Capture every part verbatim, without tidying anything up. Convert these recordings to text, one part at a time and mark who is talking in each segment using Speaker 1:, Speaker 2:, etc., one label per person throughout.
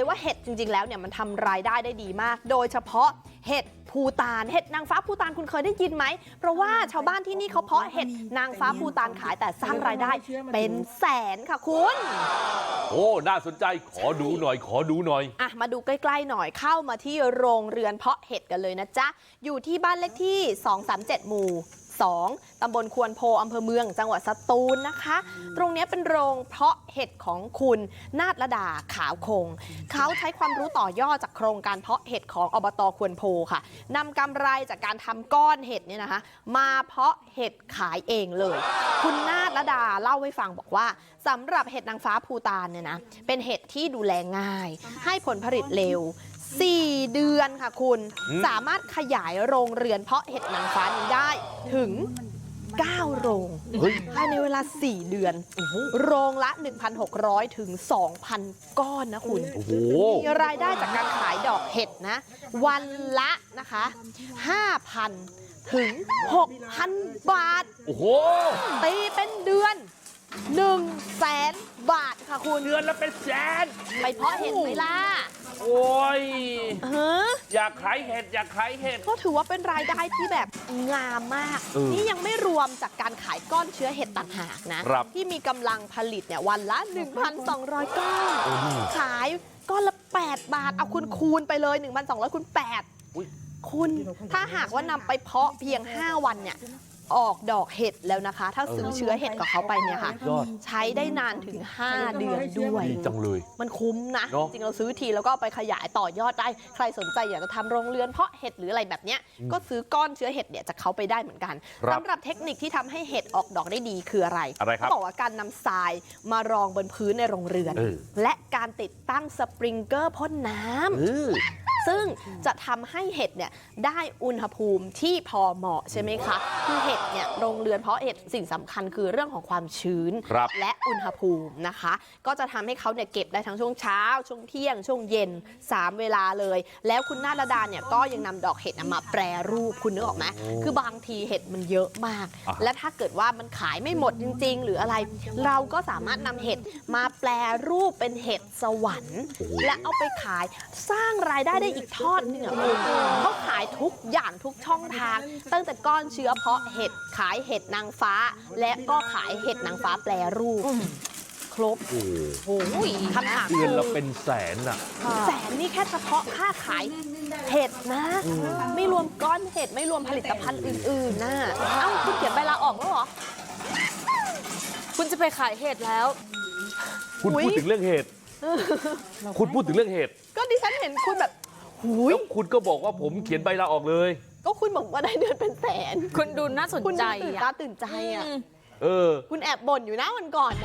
Speaker 1: ว่าเห็ดจริงๆแล้วเนี่ยมันทำรายได้ได้ดีมากโดยเฉพาะเห็ดภูฏานเห็ดนางฟ้าภูฏานคุณเคยได้ยินไหมเพราะว่าชาวบ้านที่นี่เขาเพาะเห็ดนางฟ้าภูฏานขายแต่สร้างรายได้เป็นแสนค่ะคุณ
Speaker 2: โอ้น่าสนใจขอดูหน่อยขอดูหน่อย
Speaker 1: อ่ะมาดูใกล้ๆหน่อยเข้ามาที่โรงเรือนเพาะเห็ดกันเลยนะจ๊ะอยู่ที่บ้านเลขที่สองสามเจ็ดหมู่สองตำบลควนโพอำเภอเมืองจังหวัดสตูลนะคะตรงนี้เป็นโรงเพาะเห็ดของคุณนาฏระดาขาวคงเขาใช้ความรู้ต่อยอดจากโครงการเพาะเห็ดของอบตควนโพค่ะนำกำไรจากการทำก้อนเห็ดเนี่ยนะคะมาเพาะเห็ดขายเองเลยคุณนาฏระดาเล่าให้ฟังบอกว่าสำหรับเห็ดนางฟ้าภูฏานเนี่ยนะเป็นเห็ดที่ดูแลง่ายให้ผลผลิตเร็วสี่เดือนค่ะคุณสามารถขยายโรงเรือนเพาะเห็ดนางฟ้านี้ได้ถึงเก้าโรงภายในเวลาสี่เดือนโรงละ หนึ่งพันหกร้อย ถึง สองพัน ก้อนนะคุณมีรายได้จากการขายดอกเห็ดนะวันละนะคะ ห้าพัน ถึง หกพัน บาทโอ้โหตีเป็นเดือนหนึ่งแสนบาทค่ะคุณ
Speaker 2: เดือนละเป็นแสน
Speaker 1: ไปเพาะเห็ดไหมล่ะ
Speaker 2: โอ้ย
Speaker 1: เออ
Speaker 2: อยากขายเห็ดอยากขายเห็ด
Speaker 1: ก็ถือว่าเป็นรายได้ที่แบบงามมากนี่ยังไม่รวมจากการขายก้อนเชื้อเห็ดต่างหากนะที่มีกำลังผลิตเนี่ยวันละ หนึ่งพันสองร้อย ก้อนขายก้อนละแปดบาทเอาคุณคูณไปเลย หนึ่งพันสองร้อย คูณแปดคุณถ้าหากว่านำไปเพาะเพียงห้าวันเนี่ยออกดอกเห็ดแล้วนะคะถ้าซื้อเชื้อเห็ดกับเขาไปเนี่ยค่ะใช้ได้นานถึงห้าเดือนด้วย
Speaker 2: จังเลย
Speaker 1: มันคุ้มนะจริงเราซื้อทีแล้วก็ไปขยายต่อยอดได้ใครสนใจอยากจะทำโรงเรือนเพาะเห็ดหรืออะไรแบบเนี้ยก็ซื้อก้อนเชื้อเห็ดเนี่ยจากเขาไปได้เหมือนกันสำหรับเทคนิคที่ทำให้เห็ดออกดอกได้ดีคืออะไรเขาบอกว่าการนำทรายมารองบนพื้นในโรงเรือนและการติดตั้งสปริงเกอร์พ่นน้ำซึ่งจะทำให้เห็ดเนี่ยได้อุณหภูมิที่พอเหมาะใช่ไหมคะคือเห็ดเนี่ยโรงเรือนเพาะเห็ดสิ่งสำคัญคือเรื่องของความชื้นและอุณหภูมินะคะก็จะทำให้เขาเนี่ยเก็บได้ทั้งช่วงเช้าช่วงเที่ยงช่วงเย็นสามเวลาเลยแล้วคุณนาฏดาเนี่ยก็ยังนำดอกเห็ดมาแปรรูปคุณนึกออกไหมคือบางทีเห็ดมันเยอะมากและถ้าเกิดว่ามันขายไม่หมดจริงๆหรืออะไรเราก็สามารถนำเห็ดมาแปรรูปเป็นเห็ดสวรรค์และเอาไปขายสร้างรายได้ได้อีกทอดหนึ่งอ่ะคุณเขาขายทุกอย่างทุกช่องทางตั้งแต่ก้อนเชื้อเพาะเห็ดขายเห็ดนางฟ้าและก็ขายเห็ดนางฟ้าแปรรูปครบโอ้โหคำถาม
Speaker 2: เดือนละเป็นแสนอ่ะ
Speaker 1: แสนนี่แค่เฉพาะค่าขายเห็ดนะไม่รวมก้อนเห็ดไม่รวมผลิตภัณฑ์อื่นๆนะเอ้าคุณเขียนใบลาออกแล้วเหรอ
Speaker 3: คุณจะไปขายเห็ดแล้ว
Speaker 2: คุณพูดถึงเรื่องเห็ดคุณพูดถึงเรื่องเห็ด
Speaker 1: ก็ดิฉันเห็นคุณแบบ
Speaker 2: แล้วคุณก็บอกว่าผมเขียนใบลาออกเลย
Speaker 1: ก็คุณบอกว่าได้เดือนเป็นแสน
Speaker 3: คุณดูน่าสนใจ
Speaker 1: ตื่นตาตื่นใจอ่ะ
Speaker 2: เออ
Speaker 1: คุณแอบบ่นอยู่นะวันก่อน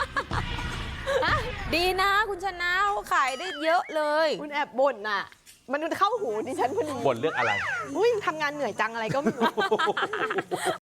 Speaker 3: ดีนะคุณชนะขายได้เยอะเลย
Speaker 1: คุณแอบบ่นน่ะมันเข้าหูดิฉันพอดี
Speaker 2: บ่นเรื่องอะไร
Speaker 1: อุ้ยทำงานเหนื่อยจังอะไรก็ไม่รู้